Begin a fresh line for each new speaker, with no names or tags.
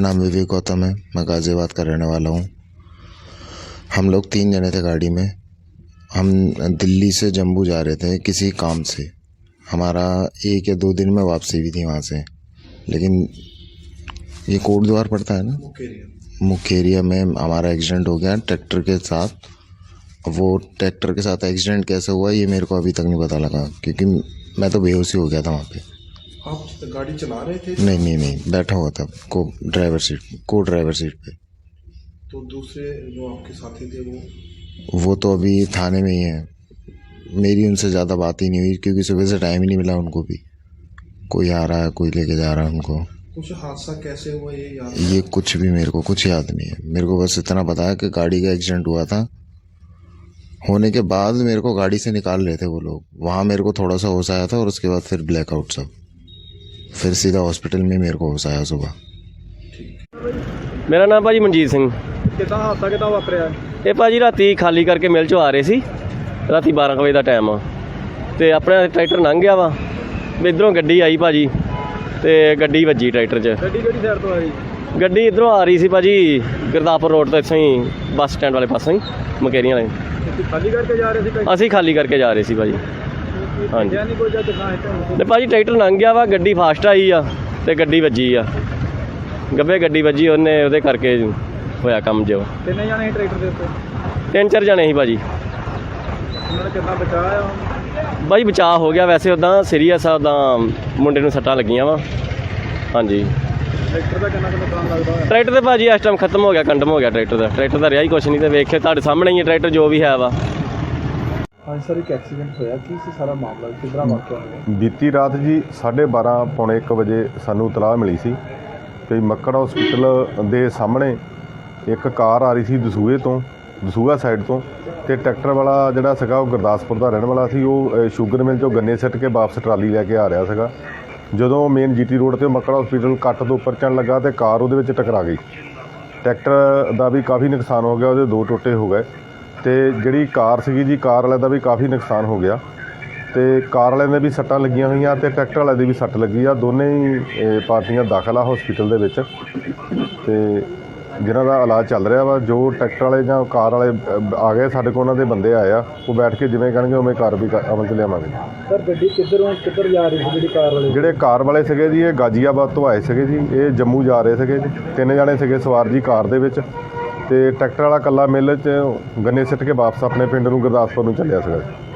नाम विवेक गौतम है। मैं गाज़ियाबाद का रहने वाला हूँ। हम लोग 3 जने थे गाड़ी में। हम दिल्ली से जम्मू जा रहे थे किसी काम से। हमारा 1 या 2 दिन में वापसी भी थी वहाँ से। लेकिन ये कोट द्वार पड़ता है ना, मुखेरिया में हमारा एक्सीडेंट हो गया ट्रैक्टर के साथ। वो ट्रैक्टर के साथ एक्सीडेंट कैसे हुआ ये मेरे को अभी तक नहीं पता लगा, क्योंकि मैं तो बेहोश ही हो गया था वहाँ पे।
आप गाड़ी चला रहे थे?
नहीं, बैठा हुआ था को ड्राइवर सीट पे।
तो दूसरे जो आपके साथी थे
वो तो अभी थाने में ही है। मेरी उनसे ज़्यादा बात ही नहीं हुई, क्योंकि सुबह से टाइम ही नहीं मिला उनको भी। कोई आ रहा है, कोई लेके जा रहा है उनको।
कुछ हादसा कैसे हुआ ये याद?
ये कुछ भी मेरे को कुछ याद नहीं है। मेरे को बस इतना पता है कि गाड़ी का एक्सीडेंट हुआ था। होने के बाद मेरे को गाड़ी से निकाल रहे थे वो लोग। वहाँ मेरे को थोड़ा सा होश आया था और उसके बाद फिर ब्लैकआउट सब। फिर सीधा हॉस्पिटल में मेरे को होश आया सुबह।
मेरा नाम भाजी मनजीत सिंह।
ਕਿਦਾਂ ਹਾਦਸਾ ਕਿਦਾਂ ਵਾਪਰਿਆ?
ਇਹ ਭਾਜੀ ਰਾਤੀ ਖਾਲੀ ਕਰਕੇ ਮਿਲ 'ਚੋਂ ਆ ਰਹੇ ਸੀ। ਰਾਤੀ 12 ਵਜੇ ਦਾ ਟਾਈਮ ਆ ਤੇ ਆਪਣਾ ਟਰੈਕਟਰ ਲੰਘ ਗਿਆ ਵਾ। ਇੱਧਰੋਂ ਗੱਡੀ ਆਈ ਭਾਜੀ ਤੇ ਗੱਡੀ ਵੱਜੀ ਟਰੈਕਟਰ 'ਚ।
ਗੱਡੀ ਕਿਹੜੀ ਸਾਈਡ ਤੋਂ ਆਈ?
ਗੱਡੀ ਇੱਧਰੋਂ ਆ ਰਹੀ ਸੀ ਭਾਜੀ ਗੁਰਦਾਸਪੁਰ ਰੋਡ ਤੋਂ, ਇੱਥੋਂ ਹੀ ਬੱਸ ਸਟੈਂਡ ਵਾਲੇ ਪਾਸੋਂ ਹੀ, ਮਕੇਰੀਆਂ ਵਾਲੇ।
ਤੁਸੀਂ ਖਾਲੀ ਕਰਕੇ ਜਾ ਰਹੇ ਸੀ?
ਅਸੀਂ ਖਾਲੀ ਕਰਕੇ ਜਾ ਰਹੇ ਸੀ ਭਾਜੀ। ਹਾਂਜੀ
ਨਹੀਂ ਕੋਈ ਜਦ ਦਿਖਾ
ਤੇ ਭਾਜੀ ਟਰੈਕਟਰ ਲੰਘ ਗਿਆ ਵਾ, ਗੱਡੀ ਫਾਸਟ ਆਈ ਆ ਤੇ ਗੱਡੀ ਵੱਜੀ ਆ। ਗੱਬੇ ਗੱਡੀ ਵੱਜੀ, ਉਹਦੇ ਕਰਕੇ ਹੋਇਆ ਕੰਮ ਜੋ।
ਕਿੰਨੇ ਜਾਣੇ ਸੀ ਟਰੈਕਟਰ ਦੇ ਉੱਤੇ?
3-4 ਜਣੇ ਸੀ ਭਾਜੀ।
ਉਹਨਾਂ ਨੇ ਕਿੰਨਾ ਬਚਾਇਆ?
ਭਾਜੀ ਬਚਾਅ ਹੋ ਗਿਆ, ਵੈਸੇ ਉੱਦਾਂ ਸੀਰੀਅਸ ਆ, ਉੱਦਾਂ ਮੁੰਡੇ ਨੂੰ ਸੱਟਾਂ ਲੱਗੀਆਂ ਵਾ। ਹਾਂਜੀ
ਟਰੈਕਟਰ ਦਾ ਕਿੰਨਾ ਨੁਕਸਾਨ ਲੱਗਦਾ ਹੋਇਆ?
ਟਰੈਕਟਰ ਤੇ ਭਾਜੀ ਇਸ ਟਾਈਮ ਖਤਮ ਹੋ ਗਿਆ, ਕੰਡਮ ਹੋ ਗਿਆ ਟਰੈਕਟਰ ਦਾ ਰਿਹਾ ਹੀ ਕੁਛ ਨਹੀਂ। ਤੇ ਵੇਖੇ ਤੁਹਾਡੇ ਸਾਹਮਣੇ ਹੀ ਹੈ ਟਰੈਕਟਰ ਜੋ ਵੀ ਹੈ ਵਾ।
ਹਾਂਜੀ ਸਰ, ਇੱਕ ਐਕਸੀਡੈਂਟ ਹੋਇਆ, ਕੀ ਸੀ ਸਾਰਾ ਮਾਮਲਾ, ਕਿੱਦਾਂ ਵਾਕਿਆ ਹੋਇਆ?
ਬੀਤੀ ਰਾਤ ਜੀ 12:30 ਪੌਣੇ 1 ਵਜੇ ਸਾਨੂੰ ਇਤਲਾਹ ਮਿਲੀ ਸੀ ਕਿ ਮੱਕੜ ਹਸਪੀਟਲ ਦੇ ਸਾਹਮਣੇ ਇੱਕ ਕਾਰ ਆ ਰਹੀ ਸੀ ਦਸੂਹਾ ਸਾਈਡ ਤੋਂ, ਅਤੇ ਟਰੈਕਟਰ ਵਾਲਾ ਜਿਹੜਾ ਸੀਗਾ ਉਹ ਗੁਰਦਾਸਪੁਰ ਦਾ ਰਹਿਣ ਵਾਲਾ ਸੀ। ਉਹ ਸ਼ੂਗਰ ਮਿਲ 'ਚੋਂ ਗੰਨੇ ਸਿੱਟ ਕੇ ਵਾਪਸ ਟਰਾਲੀ ਲੈ ਕੇ ਆ ਰਿਹਾ ਸੀਗਾ। ਜਦੋਂ ਮੇਨ GT ਰੋਡ 'ਤੇ ਮੱਕੜ ਹਸਪੀਟਲ ਕੱਟ ਤੋਂ ਉੱਪਰ ਚੜ੍ਹਨ ਲੱਗਾ ਅਤੇ ਕਾਰ ਉਹਦੇ ਵਿੱਚ ਟਕਰਾ ਗਈ। ਟਰੈਕਟਰ ਦਾ ਵੀ ਕਾਫੀ ਨੁਕਸਾਨ ਹੋ ਗਿਆ, ਉਹਦੇ 2 ਟੋਟੇ ਹੋ ਗਏ। ਅਤੇ ਜਿਹੜੀ ਕਾਰ ਸੀਗੀ ਜੀ, ਕਾਰ ਵਾਲੇ ਦਾ ਵੀ ਕਾਫੀ ਨੁਕਸਾਨ ਹੋ ਗਿਆ। ਅਤੇ ਕਾਰ ਵਾਲਿਆਂ ਦੇ ਵੀ ਸੱਟਾਂ ਲੱਗੀਆਂ ਹੋਈਆਂ ਅਤੇ ਟਰੈਕਟਰ ਵਾਲੇ ਦੀ ਵੀ ਸੱਟ ਲੱਗੀ ਆ। ਦੋਨੇ ਹੀ ਪਾਰਟੀਆਂ ਦਾਖਲ ਆ ਹਸਪੀਟਲ ਦੇ ਵਿੱਚ, ਅਤੇ ਜਿਨ੍ਹਾਂ ਦਾ ਇਲਾਜ ਚੱਲ ਰਿਹਾ ਵਾ। ਜੋ ਟਰੈਕਟਰ ਵਾਲੇ ਜਾਂ ਕਾਰ ਵਾਲੇ ਆ ਗਏ ਸਾਡੇ ਕੋਲ, ਉਹਨਾਂ ਦੇ ਬੰਦੇ ਆਏ ਆ, ਉਹ ਬੈਠ ਕੇ ਜਿਵੇਂ ਕਹਿਣਗੇ ਉਵੇਂ ਕਾਰਵਾਈ ਅਮਲ 'ਚ ਲਿਆਵਾਂਗੇ।
ਸਰ ਗੱਡੀ ਕਿੱਧਰ ਜਾ ਰਹੀ ਸੀ ਜਿਹੜੀ ਕਾਰ ਵਾਲੇ?
ਜਿਹੜੇ ਕਾਰ ਵਾਲੇ ਸੀਗੇ ਜੀ, ਇਹ ਗਾਜ਼ੀਆਬਾਦ ਤੋਂ ਆਏ ਸੀਗੇ ਜੀ। ਇਹ ਜੰਮੂ ਜਾ ਰਹੇ ਸੀਗੇ ਜੀ। 3 ਜਣੇ ਸੀਗੇ ਸਵਾਰ ਜੀ ਕਾਰ ਦੇ ਵਿੱਚ, ਅਤੇ ਟਰੈਕਟਰ ਵਾਲਾ ਇਕੱਲਾ ਮਿੱਲ 'ਚ ਗੰਨੇ ਸਿੱਟ ਕੇ ਵਾਪਸ ਆਪਣੇ ਪਿੰਡ ਨੂੰ ਗੁਰਦਾਸਪੁਰ ਨੂੰ ਚੱਲਿਆ ਸੀਗਾ।